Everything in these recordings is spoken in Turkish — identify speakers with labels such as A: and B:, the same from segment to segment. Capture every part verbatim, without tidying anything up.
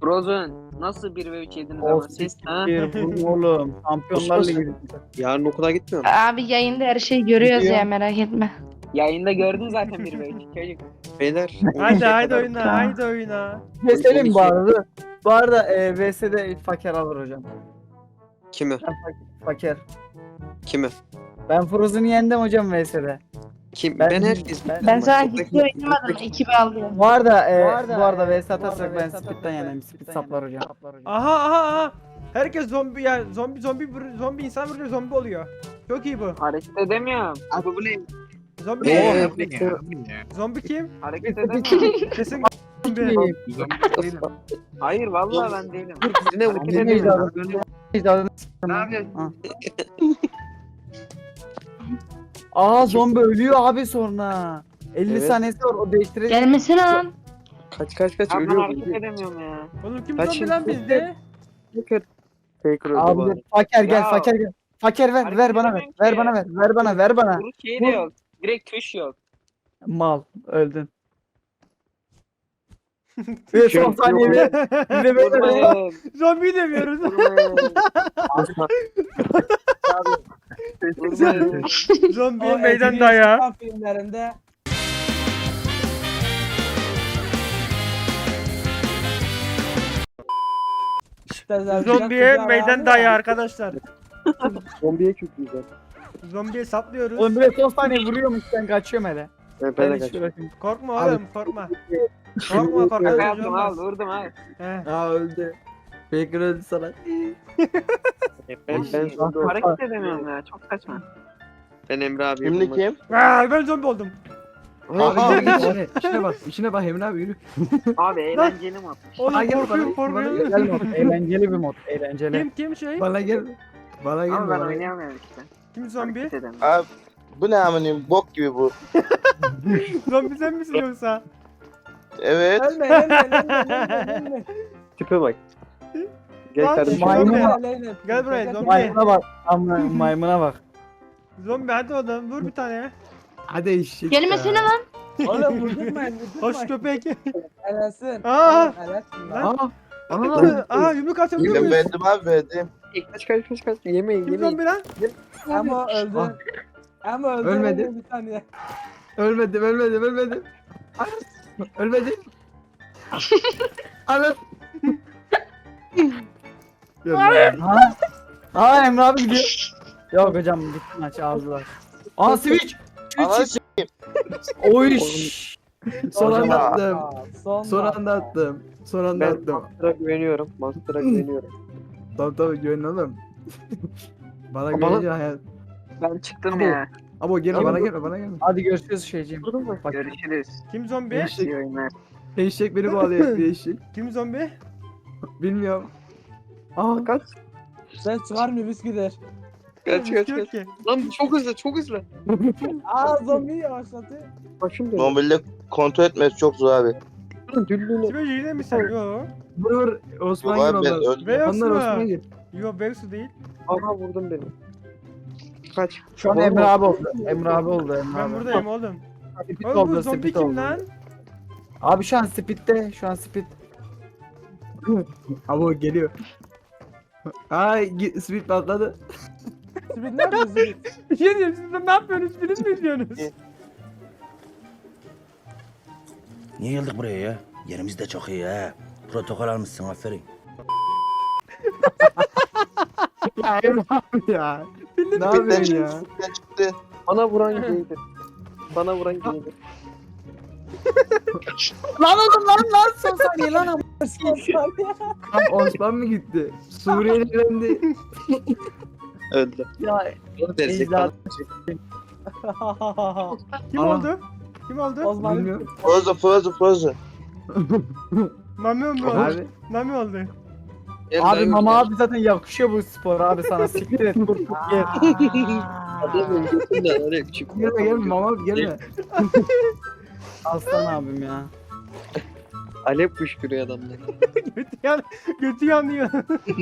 A: Rozen nasıl bir ve üç yediniz ama
B: Of
A: siz ha?
B: bir vurun oğlum. Şampiyonlar Ligi.
C: Yarın okula gitmiyorum.
D: Abi yayında her şeyi görüyoruz
B: Gidiyor.
D: ya, merak etme.
A: Yayında gördün zaten bir ve üç çocuk.
C: Beyler.
E: Haydi haydi
C: kadar-
E: oyna, haydi oyna.
B: V S'nin bu arada. Bu arada e, V S'de Faker alır hocam.
C: Kimi?
B: Ben Fak- Faker.
C: Kimi?
B: Ben Frozen'ı yendim hocam V S'de.
C: Kim?
B: Ben-
C: Ben, herkes.
B: ben-
D: Ben sana
C: Buradaki-
D: hiç oynamadım, ekibi aldım.
B: Bu arada, e,
F: Bu arada,
B: bu arada
F: e,
B: V S atarsak ben Speed'den yeneyim. Speed saplar hocam.
E: Aha aha aha. Herkes zombi ya, zombi zombi vur- zombi insan vuruyor, zombi oluyor. Çok iyi bu.
A: Hareket edemiyorum.
C: Abi bu ne?
E: Zombi.
C: Ee,
E: Zombi kim?
A: Hareket edemiyorum.
E: Kesin
B: Sikeyim.
A: Hayır vallahi ben değilim.
C: Birine vur.
A: Hareket
B: Ne
A: edemiyorum.
B: icadını? İcadını
A: Ne yapıyorsun?
B: Ha. Aa zombi ölüyor abi sonra. elli
C: Evet.
B: saniyesi var o değiştirecek.
D: Gelmesene lan.
C: Kaç kaç kaç
A: Abi ben
C: ölüyor.
A: hareket edemiyorum ya.
E: Oğlum kim
C: Kaç
E: zombi
C: şimdi?
E: lan bizde?
C: Faker. Faker öldü
B: Abi
C: bari.
B: dur, Faker gel
A: Ya.
B: Faker gel. Faker ver
A: Hareket
B: ver bana ver.
A: edemiyorum
B: Ver
A: ki.
B: bana ver. Ver bana ver bana.
A: Vuruş şeyi de yok. Direkt tuş yok.
B: Mal öldün. Ve son saniye bir bir de böyle böyle.
A: Vurmayın.
E: Zombi demiyoruz.
A: Vurmayın. Vurmayın.
E: Zombiye
F: O
E: meydan
F: Eddie
E: dayağı.
F: Murphy filmlerinde
E: Zombiye meydan dayağı arkadaşlar.
C: Zombiye çok güzel.
E: Zombiye saplıyoruz.
B: Oğlum böyle son saniye vuruyormuş ben kaçıyorum hele.
C: Ben,
B: Ben
C: ben de
B: hiç
C: kaçıyorum.
B: uğraşayım.
E: Korkma
B: Abi-
E: oğlum, korkma. Korkma korkma.
A: Şaka
E: çocuğum
A: yaptım
E: var.
A: al vurdum al.
E: He.
B: Aa öldü. Faker öldü sana.
C: Ben, ben, ben,
A: Hareket edemiyorum ya çok saçma.
C: ben Emre abi.
G: Şimdi kim?
E: Aa, ben zombi oldum.
B: Abi yürü içine. İçine bak. İçine bak Emre abi yürü.
A: Abi eğlenceli mod.
E: Oğlum
B: Aa, gel
E: korkuyorum
B: bana, bana
E: korkuyorum.
B: gel mod. Eğlenceli bir mod. Eğlenceli.
E: Kim kim şey?
B: Bana gel. Bana gel.
A: Ama ben
B: bana gel.
A: oynayamıyorum işte.
E: Kim zombi?
A: Hareket edemiyorum.
G: Abi bu ne amınıyım bok gibi bu.
E: Zombi sen misin yoksa?
G: Evet.
F: Ölme ölme ölme ölme.
C: Tipe bak. Gel
E: Lan,
C: kardeşim.
B: Maymuna-
F: ölme.
E: Gel buraya, zombi.
B: Maymuna bak. Ama maymuna bak.
E: Zombi hadi oğlum vur bir tane.
B: Hadi eşek.
D: Gelmesene lan.
F: Oğlum vurdurmayın
E: Hoş
F: vurdurmayın.
E: köpek.
F: Helalsin.
E: Aa!
F: Oğlum, helalsin lan.
E: Lan.
B: Aa. Aa.
E: Aa yumruk atabiliyor
G: Ben
E: muyuz?
G: verdim abi verdim.
C: Kaç kaç kaç kaç. Yemeyin
E: Kim
C: yemeyin.
E: zombi lan?
F: Ama öldü. Ama öldü.
B: Ölmedi.
F: öldü Bir saniye.
B: Ölmedim ölmedim ölmedim. Ölmedim. Ana. Ha? Aa Emre abi gidiyor. Yok hocam gitti maç aldılar. Aa switch.
G: Ana
B: Switch. Oy. Son
G: Hocam,
B: anda attım.
F: Aa, Son,
B: Son
F: dakika.
B: anda attım. Son anda
C: Ben
B: attım.
C: Master'a güveniyorum. Master'a güveniyorum.
B: Tabii tabii güvenin oğlum. Bana
C: Bana-
B: güvenince hayat.
A: Ben çıktım
B: Abi,
A: ya.
B: Abo gelme
C: Tamam.
B: bana gelme bana gelme. Hadi görüşürüz şeyciğim. Bak
A: Görüşürüz.
E: Kim zombi?
B: Eşek,
A: İyi oyunlar.
B: eşek beni bağlıyor bir eşek.
E: Kim zombi?
B: Bilmiyorum. Aa
C: Kaç
F: Sen çıkarmıyor bisküder.
C: kaç kaç
E: Yok
C: kaç.
E: ki.
C: Lan çok hızlı çok hızlı.
F: Aa zombi yavaşladı.
C: Başım dönüyor.
G: Mobilde kontrol etmesi çok zor abi.
C: Lan düllüğüne.
E: Kime yine mi sen? Yo.
B: vur vur Osman
G: Yok
B: gir
G: abi ben
B: onlar.
G: öldüm.
E: Vex
B: Onlar Osman
E: mı?
B: gir.
E: Yo Vexu değil.
C: Aha vurdum beni. Kaç.
B: Şu an
C: Oğlum,
B: Emre abi oldu. Emre abi oldu Emre
E: Ben
B: abi.
E: buradayım oğlum.
B: Speed
E: Oğlum bu
B: oldu,
E: zombi
B: speed
E: kim
B: oldu.
E: lan?
B: Abi şu an speed'de, şu an speed. Abi o geliyor. Ay gi- speed patladı.
F: Şimdi ne yapıyorsun?
E: Bir şey diyeyim, siz de ne yapıyorsunuz? Film mi izliyorsunuz?
H: Niye geldik buraya ya? Yerimiz de çok iyi ha. Protokol almışsın aferin.
B: Ya Emre abi ya. ne
G: Bitten
B: yapıyorsun
G: çıktı.
B: ya?
G: Bitten çıktı.
C: Bana vuran giydi. Bana vuran giydi.
B: Lan oğlum lan lan son saniye lan ama. Lan Osman mı gitti? Suriye'ye döndü.
C: Öldü.
B: Ya
C: Onu destek
B: Ecdat.
C: bana.
E: Kim
B: Aa.
E: oldu? Kim oldu?
F: Osman.
B: bilmiyorum.
G: Frozen Frozen Frozen.
E: Mami oldu.
B: Abi,
E: Mami oldu.
C: Gel
B: abi
C: lan,
B: mama
C: gel.
B: abi zaten yakışıyor bu spor abi sana siktir et. Dur dur gel.
C: Adamın götünden oraya küçük.
B: Gelme gelme mama abi gelme. Aslan abim ya.
C: Alev kuşkuruyor adamlar.
E: Götü, yan, götü yanıyor.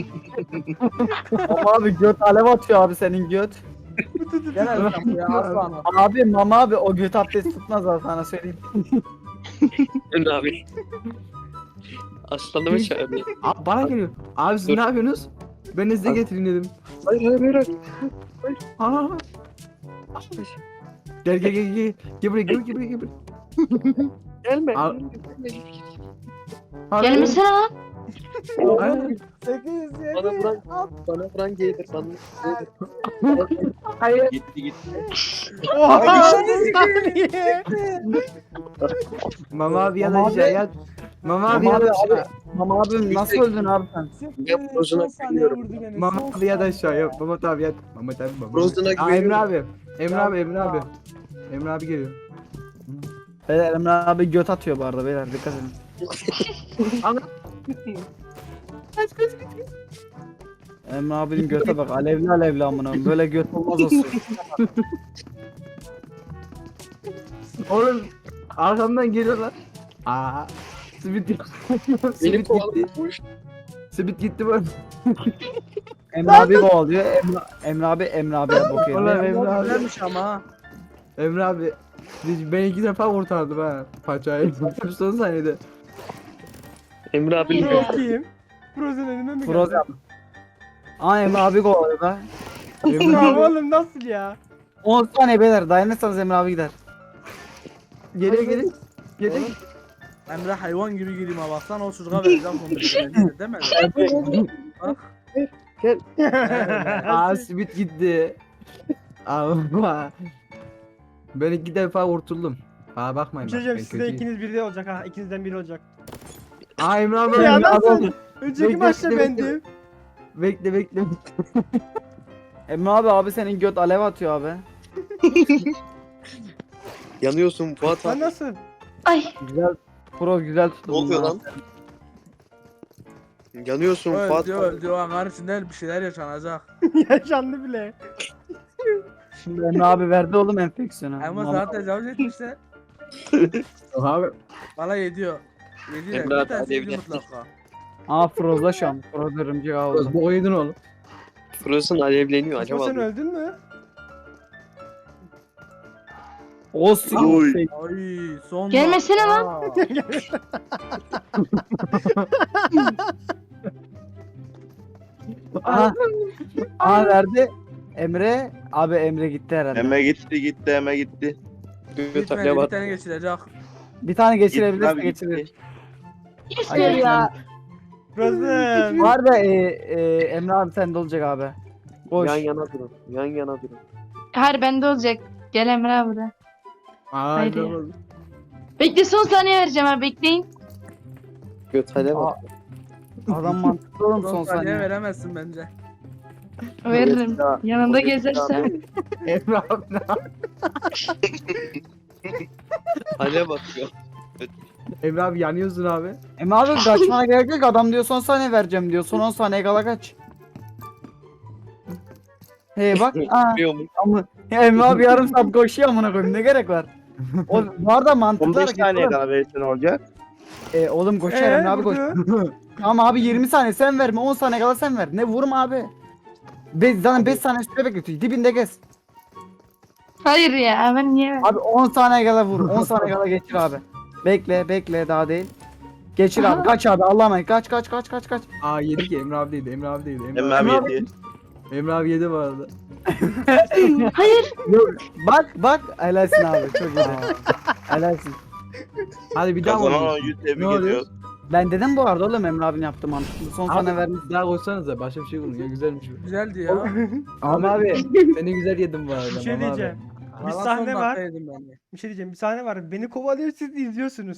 B: Mama abi göt alev atıyor abi senin göt.
F: Gel hocam ya aslan.
B: Abi mama abi o göt abdest tutmaz abi sana söyleyeyim.
C: Emre abi. Aslanımı çağırıyor.
B: Abi bana geliyor. Abi siz
C: Dur.
B: ne yapıyorsunuz? Ben de size getireyim dedim.
C: Hayır hayır hayır.
B: Aa. Gel gel gel gel. Gel buraya gel gel buraya gel buraya.
C: Gelme.
B: Al.
D: Gelmesene lan.
B: Hayır.
F: sekiz,
C: Bana
F: yedi,
C: vuran,
F: altı.
C: bana vuran gelir. Bana
B: Hayır.
H: Gitti gitti.
E: Oha saniye.
B: Mama abi ya da aşağı yat. Mama abi ya da aşağı. Mama abi nasıl öldün abi sen?
C: Ya, Frozen'a
F: Son saniye
C: güveniyorum.
F: vurdu beni.
B: Mama
F: Son
B: abi ya da
F: saniye.
B: aşağı yat. Mama abi yat. Mama abi mama.
C: Frozen'a
B: Aa, Emre
C: güveniyorum.
B: abi. Emre abi Emre abi. Emre abi geliyor. Beyler Emre abi göt atıyor bu arada beyler dikkat edin. Ana. Kaç kaç kaç. Emre abinin göte bak alevli alevli amına koyayım. Böyle göt olmaz olsun. Oğlum arkamdan geliyorlar. Aa. Sibit gitti.
C: Beni
B: Sibit gitti.
C: kovalıyormuş.
B: Sibit gitti bu. Emre abi kovalıyor. Emre, Emre abi Emre abiye bakıyor. Oğlum Emre abi.
F: Güzelmiş ama ha.
B: Emre abi ben iki defa kurtardım ha paçayı. Son saniyede.
C: Emre abi
E: Pro kim? Frozen önüme mi geldi?
B: Frozen. Aa Emre abi kovalıyor da.
E: Ya oğlum nasıl ya?
B: on saniye beyler dayanırsanız Emre abi gider. Geliyor geliyor. Geliyor.
F: Emre hayvan gibi gireyim ha baksana o çocuğa vereceğim bunu. Değil mi? Bak.
B: Aa Sibit gitti. Ama ben iki defa kurtuldum. Ha bakmayın.
E: Bir şey
B: bak,
E: diyeceğim
B: ben
E: size
B: kötüyüm.
E: ikiniz birde olacak ha. İkinizden biri olacak.
B: Aa Emre abi
E: Ya
B: Emre abi
E: nasıl?
B: oldu.
E: Önceki
B: Bekle,
E: maçta
B: bekle,
E: bendim.
B: Bekle bekle. Emre abi abi senin göt alev atıyor abi.
C: yanıyorsun Fuat
E: Sen
C: abi.
E: nasıl?
D: Ay.
B: Güzel. Pro güzel tuttu.
C: Ne oluyor
B: bunlar.
C: lan? Yanıyorsun
F: Öldü
C: Fuat abi.
F: öldü o an karşısında bir şeyler yaşanacak.
E: Yaşandı bile.
B: Şimdi Emre abi verdi oğlum enfeksiyonu.
F: Ama
B: Mama-
F: zaten tecavüz etmişler.
B: Abi.
F: Bana yediyor. Yediyor.
C: Emre
F: Bir
C: abi,
F: tanesi yedi
C: alevli.
F: mutlaka.
B: Aa Froz'da şu an. Froz örümcek ağı oldu. Bu oyunun oğlum.
C: Frozen alevleniyor
E: Acaba
C: acaba.
E: sen öldün mü?
B: Olsun.
G: Oy.
F: Ay son.
D: Gelmesene lan.
F: Aa.
B: Aha. Aha verdi. Emre. Abi Emre gitti herhalde.
G: Eme gitti gitti eme gitti.
C: Göt
F: Gitmedi
C: alev
F: bir
C: at.
F: tane geçirecek.
B: Bir tane
G: Gitti
B: geçirebilirse
G: abi, gitti.
B: geçirir.
D: İstiyor ya.
E: Frozen.
B: Var da e, e, Emre abi sende olacak abi. Boş.
C: Yan yana durun. Yan yana durun.
D: Hayır bende olacak. Gel Emre abi de.
B: Aa,
D: Haydi.
B: Emre oldu.
D: Bekle son saniye vereceğim abi bekleyin.
C: Göt alev
B: Aa,
C: at.
B: Adam mantıklı oğlum son
F: Son saniye
B: saniye.
F: veremezsin bence.
D: Veririm.
C: Ya,
D: Yanında
C: o yüzden
D: gezersem.
B: Emre abi ne yapıyor?
C: Alev atıyor.
B: Emre abi yanıyorsun abi. Emre abi kaçmana gerek yok adam diyor son saniye vereceğim diyor. Son on saniye kala kaç. Hey bak. Aa,
C: Biliyor musun?
B: ama ya Emre abi yarım saat koşuyor amına koyayım ne gerek var? O var da mantıklı
G: on beş
B: hareket
G: saniye
B: oğlum.
G: daha verirsen olacak.
B: E, oğlum koşar
E: Ee,
B: Emre abi koş.
E: vurdu.
B: Tamam abi yirmi saniye sen verme on saniye kala sen ver. Ne vurma abi. Be zaten beş saniye süre bekletiyor. Dibinde gez.
D: Hayır ya ben niye ver?
B: Abi on saniye kala vur. on saniye kala geçir abi. Bekle bekle daha değil. Geçir abi kaç abi Allah'a emanet kaç kaç kaç kaç kaç. Aa yedi ki Emre abi değildi Emre abi değildi.
G: Emre abi yedi.
B: Emre abi yedi bu arada.
D: Hayır.
B: Yok, bak bak helalsin abi çok iyi. Helalsin. Hadi bir daha
G: Kazanan
B: vur.
G: oyuncuyu
B: Ne
G: tebrik
B: oluyor?
G: ediyoruz.
B: Ben dedim bu arada oğlum Emre abinin yaptığı mantıklı. Son
I: Abi-
B: saniye vermiş.
I: Daha koysanıza başka bir şey bulun ya güzelmiş bu.
F: Güzeldi ya.
B: Ama abi
I: Seni güzel yedim bu arada.
E: Bir şey
I: Mama abi.
E: diyeceğim. Bir
F: Valla
E: sahne
F: son
E: var.
F: dakika yedim ben de.
E: Bir şey diyeceğim. Bir sahne var. Beni kovalıyor siz izliyorsunuz.